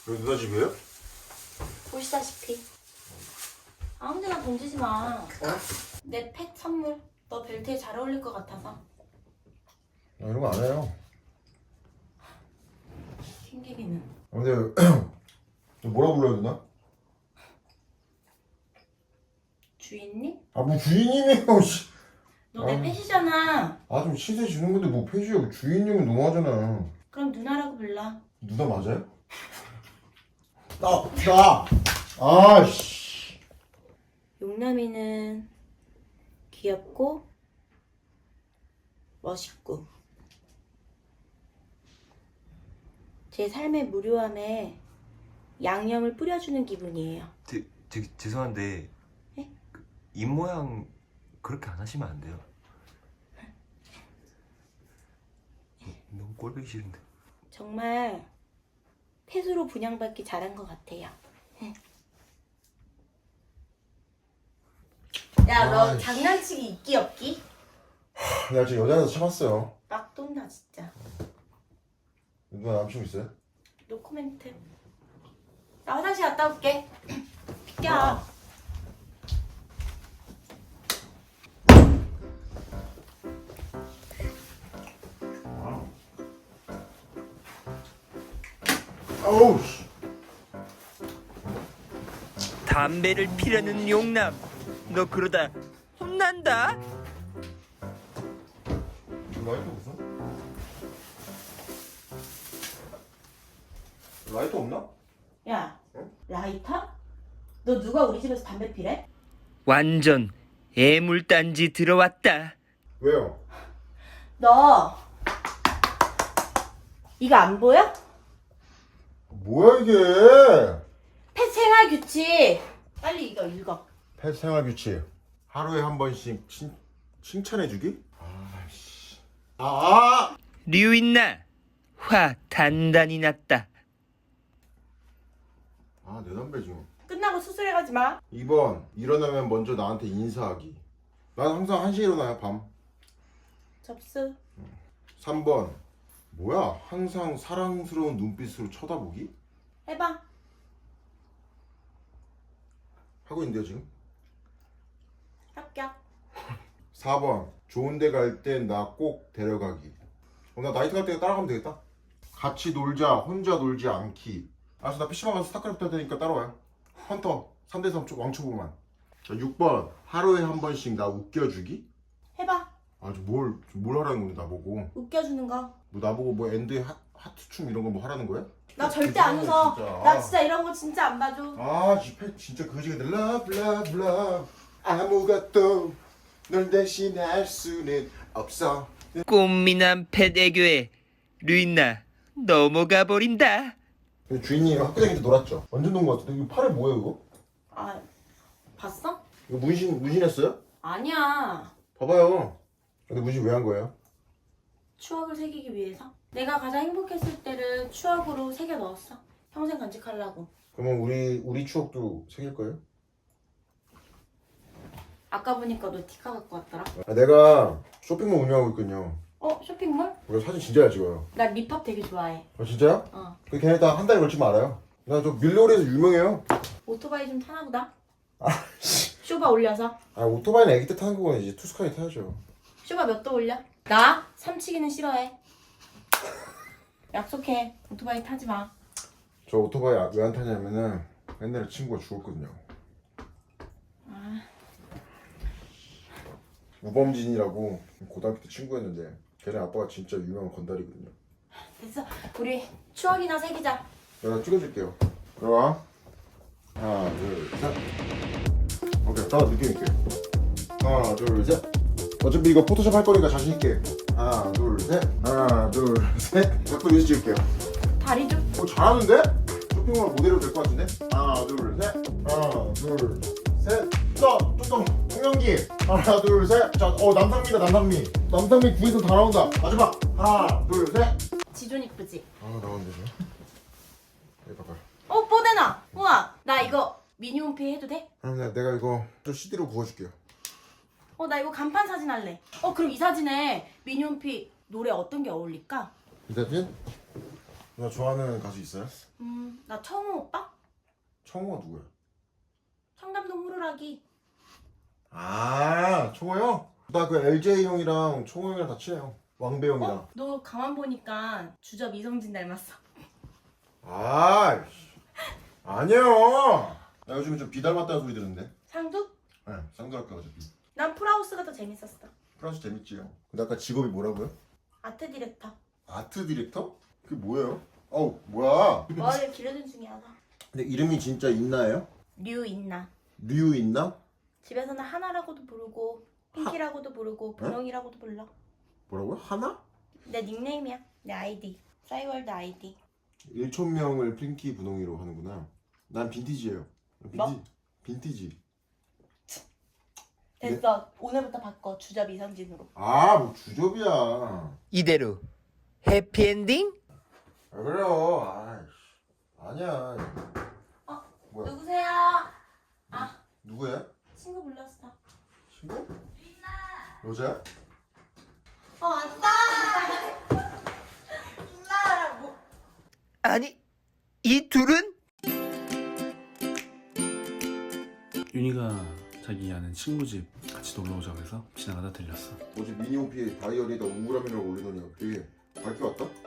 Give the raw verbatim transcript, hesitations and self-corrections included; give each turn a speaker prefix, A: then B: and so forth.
A: 여기 누나 집이에요?
B: 보시다시피. 아무데나 던지지 마.
A: 어?
B: 내 펫 선물. 너 벨트에 잘 어울릴 것 같아서.
A: 나 이런 거 안 해요.
B: 킹기기는.
A: 근데 뭐라 불러야 되나?
B: 주인님?
A: 아 뭐 주인님이에요. 씨.
B: 너 내
A: 아.
B: 펫이잖아.
A: 아 좀 시세 주는 건데 뭐 폐지하고 주인님은 너무하잖아.
B: 그럼 누나라고 불러.
A: 누나 맞아요? 나 나. 아씨.
B: 용남이는 귀엽고 멋있고 제 삶의 무료함에 양념을 뿌려주는 기분이에요.
C: 되, 되게 죄송한데
B: 예?
C: 그, 입 모양 그렇게 안 하시면 안 돼요. 너무 꼴보기 싫은데.
B: 정말 펫으로 분양받기 잘한 것 같아요. 야, 너
A: 아이씨.
B: 장난치기 있기 없기?
A: 내가 지금 여자라서 참았어요.
B: 막 돈다 진짜.
A: 누나 남친 있어요?
B: 노코멘트. 나 화장실 갔다 올게. 비켜.
A: 아우 씨.
D: 담배를 피려는 용남. 너 그러다 혼난다.
A: 라이터 없어? 라이터 없나?
B: 야,
A: 응?
B: 라이터? 너 누가 우리 집에서 담배 피래?
D: 완전 애물단지 들어왔다.
A: 왜요?
B: 너 이거 안 보여?
A: 뭐야 이게?
B: 펫 생활 규칙. 빨리 이거 읽어.
A: 펫 생활 규칙 하루에 한 번씩 칭, 칭찬해주기? 아씨. 아!
D: 류인나 화 단단히 났다.
A: 아, 내 담배 지금.
B: 끝나고 수술해 가지 마.
A: 이 번 일어나면 먼저 나한테 인사하기. 난 항상 한 시에 일어나요, 밤.
B: 접수.
A: 삼 번 뭐야? 항상 사랑스러운 눈빛으로 쳐다보기?
B: 해봐.
A: 하고 있는데요, 지금?
B: 합격.
A: 사 번 좋은 데 갈 땐 나 꼭 데려가기. 어, 나 나이트 갈 때 따라가면 되겠다. 같이 놀자, 혼자 놀지 않기. 알았어, 나 피시방 가서 스타크래프트 할 테니까 따라와요. 헌터 삼 대 삼 왕초보만. 자, 육 번 하루에 한 번씩 나 웃겨주기.
B: 해봐.
A: 아주 뭘, 뭘 하라는 건데 나보고.
B: 웃겨주는 거.
A: 뭐 나보고 뭐 엔드 하, 하트춤 이런 거 뭐 하라는 거야?
B: 나 절대 안 웃어.
A: 진짜.
B: 나 진짜 이런 거 진짜 안 봐줘.
A: 아, 지패 진짜 거지가 돼. 러브 러브 러브 아무것도 널 대신할 수는 없어.
D: 꽃미남 펫 애교에 류인나 넘어가 버린다.
A: 주인이 학교 다닐 때 놀았죠? 완전 논 거 같은데 이거 팔에 뭐예요 이거?
B: 아, 봤어?
A: 이거 문신 문신했어요?
B: 아니야.
A: 봐봐요. 근데 문신 왜 한 거예요?
B: 추억을 새기기 위해서. 내가 가장 행복했을 때를 추억으로 새겨 넣었어. 평생 간직하려고.
A: 그러면 우리 우리 추억도 새길 거예요?
B: 아까 보니까 너 티카 갖고 왔더라.
A: 아, 내가 쇼핑몰 운영하고 있거든요.
B: 어? 쇼핑몰?
A: 우리가 사진 진짜 잘 찍어요.
B: 나 립합 되게 좋아해.
A: 아 진짜요?
B: 어.
A: 그 걔네 다 한 달에 걸치면 알아요. 나 저 밀러리에서 유명해요.
B: 오토바이 좀 타나 보다.
A: 아 씨.
B: 쇼바 올려서.
A: 아 오토바이는 애기 때 타는 거고 이제 투스카이 타야죠.
B: 쇼바 몇 도 올려? 나 삼치기는 싫어해. 약속해. 오토바이 타지 마.
A: 저 오토바이 왜 안 타냐면은 옛날에 친구가 죽었거든요.
B: 아.
A: 우범진이라고 고등학교 때 친구였는데 걔네 아빠가 진짜 유명한 건달이거든요.
B: 됐어. 우리 추억이나 새기자.
A: 내가 찍어줄게요. 들어와. 하나, 둘, 셋. 오케이, 따라 느낌 있게. 하나, 둘, 셋. 어차피 이거 포토샵 할 거니까 자신 있게. 하나, 둘, 셋. 하나, 둘, 셋. 옆으로 위에서 찍을게요.
B: 다리 좀.
A: 어, 잘하는데? 쇼핑몰 모델로 될 것 같은데? 하나, 둘, 셋. 하나, 둘, 셋. 또, 또, 또. 홍영기. 하나, 둘, 셋. 자, 어, 남상미다, 남상미. 남상미 구에서 다 나온다. 마지막. 하나, 둘, 셋.
B: 지존 이쁘지?
A: 아, 나왔네, 저. 여기 봐봐요.
B: 어, 뽀대나. 우와, 나 이거 미니홈피 해도 돼?
A: 그럼 내가, 내가 이거 또 씨디로 구워줄게요.
B: 어, 나 이거 간판 사진 할래. 어, 그럼 이 사진에 미니홈피 노래 어떤 게 어울릴까?
A: 이 사진? 나 좋아하는 가수 있어요?
B: 음, 나 청우 오빠?
A: 청호가 누구야?
B: 청담동 호루라기.
A: 아 청호 형? 나 그 엘제이 형이랑 청호 형이랑 다 친해요. 왕배 형이랑.
B: 어? 너 가만 보니까 주접 이성진 닮았어.
A: 아 아니요. 나 요즘에 좀 비 닮았다는 소리 들은데.
B: 상두?
A: 네, 쌍둥이학과 어차피.
B: 난 프라우스가 더 재밌었어.
A: 프랑스 재밌지요. 근데 아까 직업이 뭐라고요?
B: 아트 디렉터.
A: 아트 디렉터? 그게 뭐예요? 어우 뭐야?
B: 머리를 기르는 중에 하나.
A: 근데 이름이 진짜 있나요?
B: 류 있나?
A: 류 있나?
B: 집에서는 하나라고도 부르고 핑키라고도 부르고 분홍이라고도 불러.
A: 뭐라고요? 하나?
B: 내 닉네임이야. 내 아이디. 싸이월드 아이디.
A: 일천 명을 핑키 분홍이로 하는구나. 난 빈티지예요. 빈티,
B: 뭐?
A: 빈티지.
B: 됐어. 오늘부터 바꿔. 주접 이성진으로.
A: 아, 뭐 주접이야.
D: 이대로 해피엔딩?
A: 왜 그래요? 아이씨. 아니야.
B: 어?
A: 뭐야?
B: 누구세요? 아,
A: 누구야?
B: 친구 불렀어.
A: 친구? 여자야?
B: 어, 왔다! 나 뭐.
D: 아니, 이 둘은?
E: 윤희가 자기 아는 친구 집 같이 놀러 오자고 해서 지나가다 들렸어.
A: 어제 미니홈피에 다이어리에다 우울함이라고 올리더니 되게 밝게 왔다?